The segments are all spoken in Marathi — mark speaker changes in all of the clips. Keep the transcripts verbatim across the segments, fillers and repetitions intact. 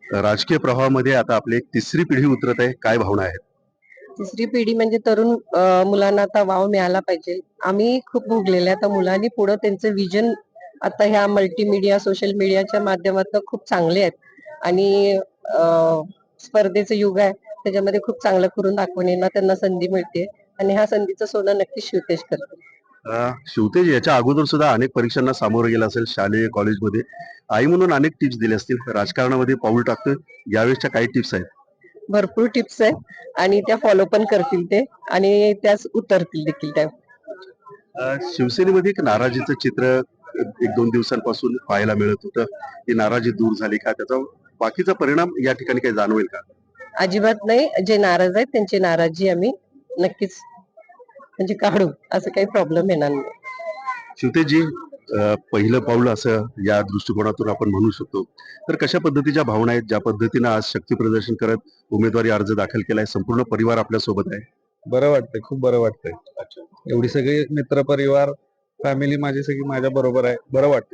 Speaker 1: राजकीय प्रवाहामध्ये आता आपली एक तिसरी पिढी उतरत आहे, काय भावना आहेत?
Speaker 2: तिसरी पिढी म्हणजे तरुण अ, मुलांना आता वाव मिळाला पाहिजे. आम्ही खूप भोगलेले आता मुलांनी पुढे त्यांचं विजन आता ह्या मल्टीमीडिया, सोशल मीडियाच्या माध्यमातून खूप चांगले आहेत आणि अ, स्पर्धेचं युग आहे. त्याच्यामध्ये खूप चांगलं करून दाखवण्याला त्यांना संधी मिळते आणि ह्या संधीचं सोनं नक्कीच शिवतेज करते.
Speaker 1: अ, शिवतेज याच्या अगोदर सुद्धा अनेक परीक्षांना सामोरं गेला असेल शालेय, कॉलेजमध्ये. आई म्हणून अनेक टिप्स दिल्या असतील. राजकारणामध्ये पाऊल टाकतोय, यावेळेसच्या काही टिप्स आहेत?
Speaker 2: भरपूर टिप्स आहेत आणि त्या फॉलो पण करतील ते आणि त्याच उतरतील देखील त्या.
Speaker 1: अ, शिवसेनेमध्ये एक नाराजीचं चित्र एक दोन दिवसांपासून पाहायला मिळत होतं. ती नाराजी दूर झाली का? त्याचा बाकीचा परिणाम या ठिकाणी काही जाणवेल का?
Speaker 2: अजिबात नाही. जे नाराज आहेत त्यांची नाराजी आम्ही नक्कीच म्हणजे काढू, असं काही प्रॉब्लेम येणार नाही.
Speaker 1: शिवतेजजी, अ, पहिलं पाऊल असं या दृष्टिकोनातून आपण म्हणू शकतो. तर कशा पद्धतीच्या भावना आहेत, ज्या पद्धतीनं आज शक्ती प्रदर्शन करत उमेदवारी अर्ज दाखल केलाय, संपूर्ण परिवार आपल्या सोबत आहे?
Speaker 3: बरं वाटतंय, खूप बरं वाटतंय. एवढी सगळी मित्र परिवार, फॅमिली माझी सगळी माझ्या बरोबर आहे. बरं वाटतंय.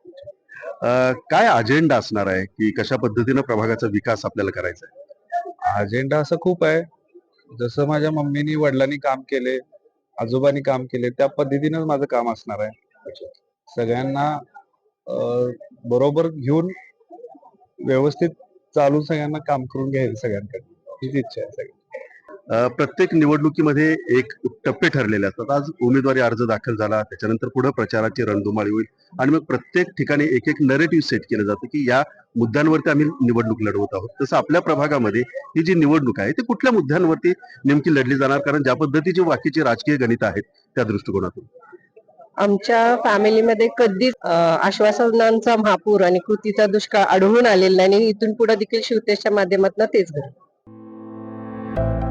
Speaker 1: अ, काय अजेंडा असणार आहे, की कशा पद्धतीनं प्रभागाचा विकास आपल्याला करायचा आहे?
Speaker 3: अजेंडा असं खूप आहे. जसं माझ्या मम्मीनी, वडिलांनी काम केले, आजोबांनी काम केले, त्या पद्धतीनं माझं काम असणार आहे. सगळ्यांना अ, बरोबर घेऊन व्यवस्थित चालून सगळ्यांना काम करून घ्यायचं सगळ्यांकडे. हीच इच्छा आहे सगळी.
Speaker 1: अ, प्रत्येक निवडणुकीमध्ये एक टप्पे ठरलेले असतात. आज उमेदवारी अर्ज दाखल झाला, त्याच्यानंतर पुढे प्रचाराची रणधुमाळी होईल आणि मग प्रत्येक ठिकाणी एक एक नरेटिव्ह सेट केलं जातं, की या मुद्द्यांवरती आम्ही निवडणूक लढवत आहोत. तसं आपल्या प्रभागामध्ये ही जी निवडणूक आहे, ती कुठल्या मुद्द्यांवरती नेमकी लढली जाणार? कारण ज्या पद्धतीची बाकीची राजकीय गणित आहेत, त्या दृष्टिकोनातून.
Speaker 2: आमच्या फॅमिलीमध्ये कधीच अ, आश्वासनांचा महापूर आणि कृतीचा दुष्काळ आढळून आलेला नाही आणि इथून पुढे देखील शिवतेजच्या माध्यमातून तेच घडेल.